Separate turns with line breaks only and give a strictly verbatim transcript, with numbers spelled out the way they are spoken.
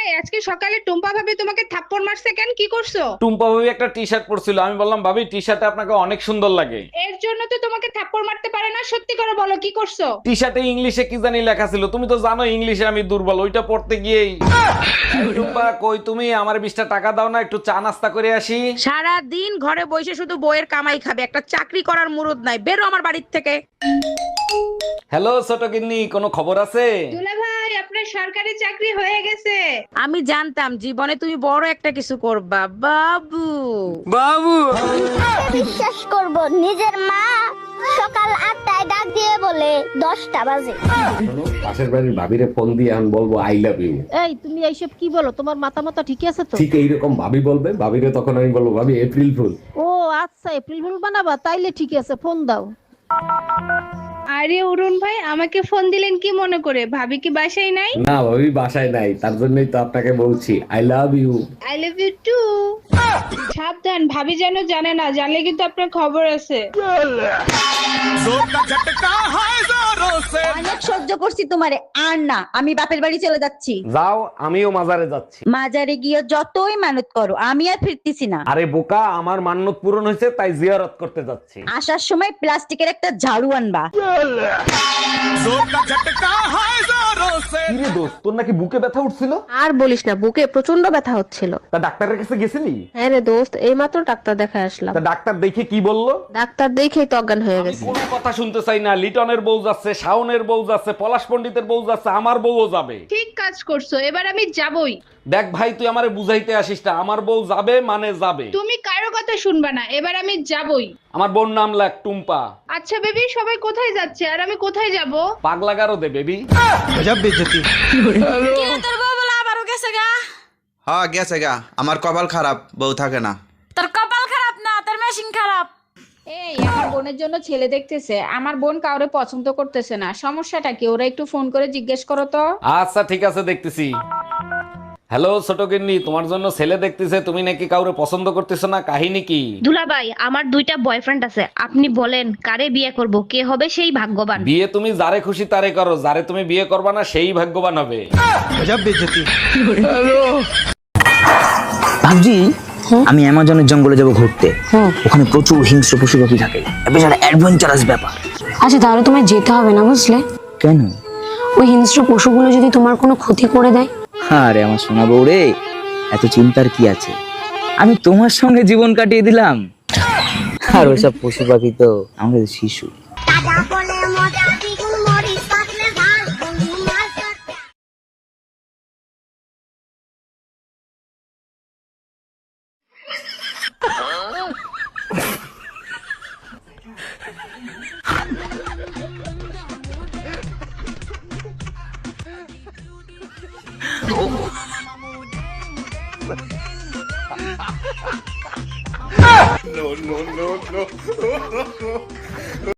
এই আজকে সকালে টুম্পা ভাবি তোমাকে থাপ্পড় মারছে কেন? কি করছো?
টুম্পা ভাবি একটা টি শার্ট পরছিল, আমি বললাম ভাবি টি শার্টে আপনাকে অনেক সুন্দর লাগে।
এর জন্য তো তোমাকে থাপ্পড় মারতে পারে না। সত্যি করে বলো কি করছো?
টি শার্টে ইংলিশে কি জানি লেখা ছিল, তুমি তো জানো ইংলিশে আমি দুর্বল, ওইটা পড়তে গিয়েই। এই টুম্পা কই তুমি, আমার বিশটা টাকা দাও না, একটু চা নাস্তা করে আসি।
সারা দিন ঘরে বসে শুধু বইয়ের কামাই খাবে, একটা চাকরি করার মুরুদ নাই। বেরো আমার বাড়ির থেকে।
হ্যালো ছোট গিন্নি, কোনো খবর আছে?
দুলা ভাই, আপনার সরকারি চাকরি হয়ে গেছে।
আমি জানতাম জীবনে তুমি বড় একটা কিছু করবা বাবু।
বিশ্বাস করব নিজের মা সকাল আটটায় ডাক দিয়ে বলে দশটা বাজে।
পাশের বাড়ির ভাবিরে ফোন দিয়ে আমি বলবো আই লাভ ইউ।
এই তুমি এইসব কি বলো? তোমার মাথা মাথা ঠিক আছে তো?
ঠিক এইরকম ভাবি বলবে, ভাবিরে তখন আমি বলবো ভাবি এপ্রিল ফুল।
ও আচ্ছা, এপ্রিল ফুল বানাবা? তাইলে ঠিক আছে, ফোন দাও।
আরে অরুণ ভাই, আমাকে ফোন দিলেন কি মনে করে? ভাবি কি বাসায় নাই?
না ভাবি বাসায় নাই, তার জন্যই তো আপনাকে বলছি I love you.
I love you too. সাবধান, ভাবি যেন জানে না, জানলে কিন্তু আপনার খবর আছে।
অনেক সহ্য করছি তোমারে, আর না। আমি বাপের বাড়ি চলে যাচ্ছি।
যাও, আমিও মাজারে যাচ্ছি।
মাজারে গিয়ে যতই মানত করো, আমি আর ফিরতেছি না।
আরে বোকা, আমার মান্যত পূরণ হয়েছে তাই জিয়ারত করতে যাচ্ছি।
আসার সময় প্লাস্টিকের একটা ঝাড়ু আনবা।
কিরে দোস্ত, তোর নাকি বুকে ব্যথা উঠছিল?
আর বলিস না, বুকে প্রচন্ড ব্যথা হচ্ছিল।
তা ডাক্তারের কাছে গেছিলি?
হ্যাঁ রে দোস্ত, এইমাত্র ডাক্তার দেখায় আসলাম।
তা ডাক্তার দেখে কি বললো?
ডাক্তার দেখেই তো অজ্ঞান হয়ে গেছে।
কোনো কথা শুনতে চাই না। লিটনের বউ যাচ্ছে, শাওনের বউ যাচ্ছে, পলাশ পণ্ডিতের বউ যাচ্ছে, আমার বউও যাবে।
ঠিক কাজ করছো, এবার আমি যাবই।
দেখ ভাই, তুই আমারে বুঝাইতে আসিস না, আমার বউ যাবে মানে যাবে।
তুমি কারো কথা শুনবা না, এবার আমি যাবই।
আমার বোন নাম লাগ টুম্পা।
আচ্ছা বেবি, সবাই কোথায় যাচ্ছে আর আমি কোথায় যাব?
পাগলা গারো দে বেবি।
তোর বউ বলে আবারও গেছে গা।
হ্যাঁ গেছে গা, আমার কপাল খারাপ, বউ থাকে না।
তোর কপাল খারাপ না, তোর মেশিন খারাপ।
এই আমার বোনের জন্য ছেলে দেখতেছে, আমার বোন কাউরে পছন্দ করতেছে না। সমস্যাটা কি? ওরা একটু ফোন করে জিজ্ঞেস করো তো।
আচ্ছা ঠিক আছে, দেখতেছি। হ্যালো ছোট গিন্নি, তোমার জন্য ছেলে দেখতেছে, তুমি নাকি কাউরে পছন্দ করতেছো না, কাহিনী কি?
দুলাভাই, আমার দুইটা বয়ফ্রেন্ড আছে, আপনি বলেন কারে বিয়ে করব, কে হবে সেই ভাগ্যবান?
বিয়ে তুমি যারে খুশি তারে করো, যারে তুমি বিয়ে করবা না সেই ভাগ্যবান হবে।
ভাবছি আমি অ্যামাজনের জঙ্গলে যাব ঘুরতে। ওখানে প্রচুর হিংস্র পশু পাখি থাকে, বেশ একটা অ্যাডভেঞ্চারাস ব্যাপার।
আচ্ছা, তাহলে তোমায় যেতে হবে না, বুঝলে?
কেন?
ওই হিংস্র পশুগুলো যদি তোমার কোনো ক্ষতি করে দেয়?
আরে আমার সোনা বউ রে, এত চিন্তার কি আছে? আমি তোমার সঙ্গে জীবন কাটিয়ে দিলাম, আর ওসব পশু পাখি তো আমাদের শিশু।
দাদা বলে মজা দ্বিগুণ মরিচ পাতলে ভাত বন্ধু মাছ ধরতে।